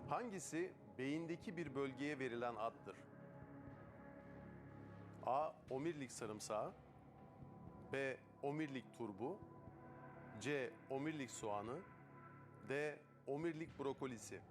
Hangisi beyindeki bir bölgeye verilen addır? A. Omurilik sarımsağı, B. Omurilik turbu, C. Omurilik soğanı, D. Omurilik brokolisi.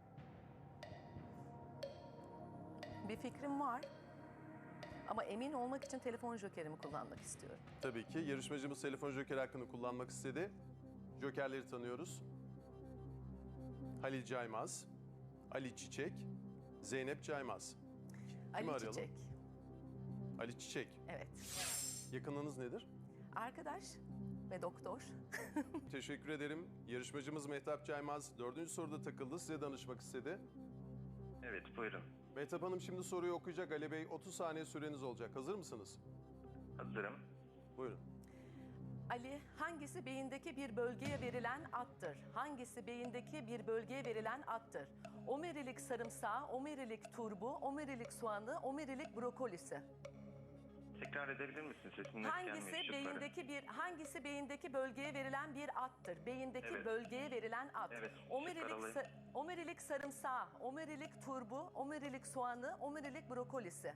Bir fikrim var ama emin olmak için telefon jokerimi kullanmak istiyorum. Tabii ki yarışmacımız telefon jokeri hakkını kullanmak istedi. Jokerleri tanıyoruz. Halil Caymaz, Ali Çiçek, Zeynep Caymaz. Ali arayalım? Çiçek. Ali Çiçek. Evet. Yakınlığınız nedir? Arkadaş ve doktor. Teşekkür ederim. Yarışmacımız Mehtap Caymaz 4. soruda takıldı. Size danışmak istedi. Evet, buyurun. Mehtap Hanım şimdi soruyu okuyacak. Ali Bey 30 saniye süreniz olacak. Hazır mısınız? Hazırım. Buyurun. Ali, hangisi beyindeki bir bölgeye verilen addır? Hangisi beyindeki bir bölgeye verilen addır? Omurilik sarımsağı, omurilik turbu, omurilik soğanı, omurilik brokolisi. Tekrar edebilir misin? Sesin net Hangisi gelmiyor. hangisi beyindeki bölgeye verilen bir addır? Beyindeki Evet. bölgeye verilen ad. Evet, Omurilik, şıklar alayım. omurilik sarımsağı, omurilik turbu, omurilik soğanı, omurilik brokolisi.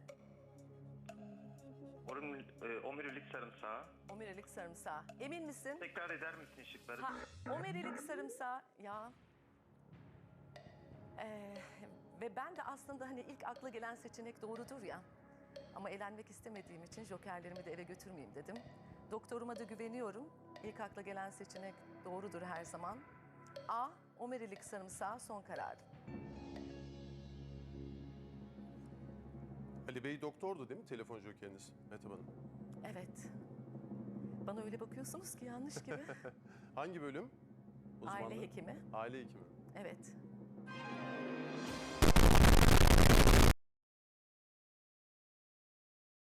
Omurilik sarımsağı. Omurilik sarımsağı. Emin misin? Tekrar eder misin şıkları? Omurilik sarımsağı ya. Ve ben de aslında hani ilk akla gelen seçenek doğrudur ya. Ama elenmek istemediğim için jokerlerimi de eve götürmeyeyim dedim. Doktoruma da güveniyorum. İlk akla gelen seçenek doğrudur her zaman. A. Omurilik sarımsağı son karar. Ali Bey doktordu değil mi telefon jokeriniz Mehtap Hanım? Evet. Bana öyle bakıyorsunuz ki yanlış gibi. Hangi bölüm? Aile Uzmanlığı? hekimi. Aile hekimi. Evet.